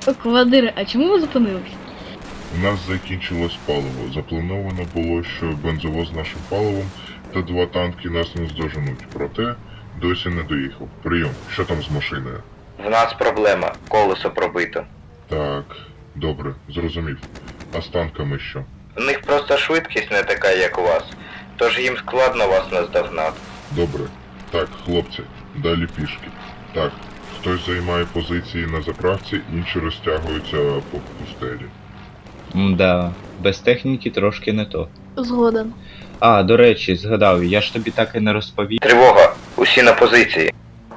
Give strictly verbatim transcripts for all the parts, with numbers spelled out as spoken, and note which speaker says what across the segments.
Speaker 1: Командире, а чому ви зупинились?
Speaker 2: У нас закінчилось паливо. Заплановано було, що бензовоз з нашим паливом та два танки нас не здоженуть. Проте досі не доїхав. Прийом. Що там з машиною?
Speaker 3: В нас проблема. Колесо пробито.
Speaker 2: Так, добре, зрозумів. А з танками що?
Speaker 3: У них просто швидкість не така, як у вас. Тож їм складно вас наздогнати.
Speaker 2: Добре. Так, хлопці, далі пішки. Так, хтось займає позиції на заправці, інші розтягуються по пустелі.
Speaker 4: Мда, без техніки трошки не то.
Speaker 1: Згоден.
Speaker 4: А, до речі, згадав, я ж тобі так і не розповів.
Speaker 3: Тривога! Усі на позиції.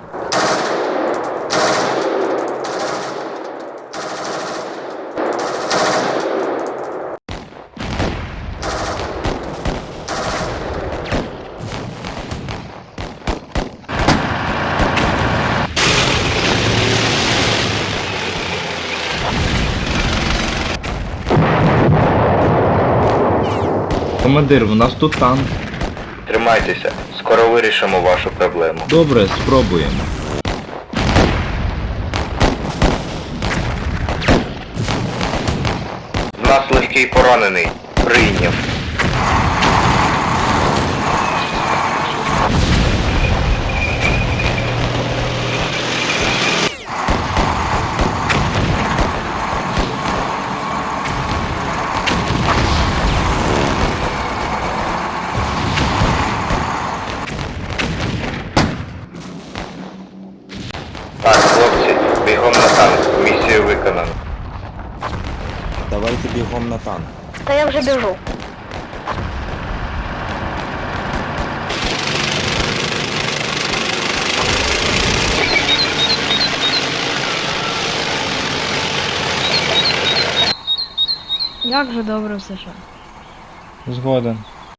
Speaker 4: Командир, у нас тут танк.
Speaker 3: Тримайтеся, скоро вирішимо вашу проблему.
Speaker 4: Добре, спробуємо.
Speaker 3: В нас легкий поранений. Прийняв. Так, хлопці, бігом на танк. Місію виконано.
Speaker 5: Давайте бігом на танк.
Speaker 1: Та я вже біжу. Як же добре в США.
Speaker 4: Згоден.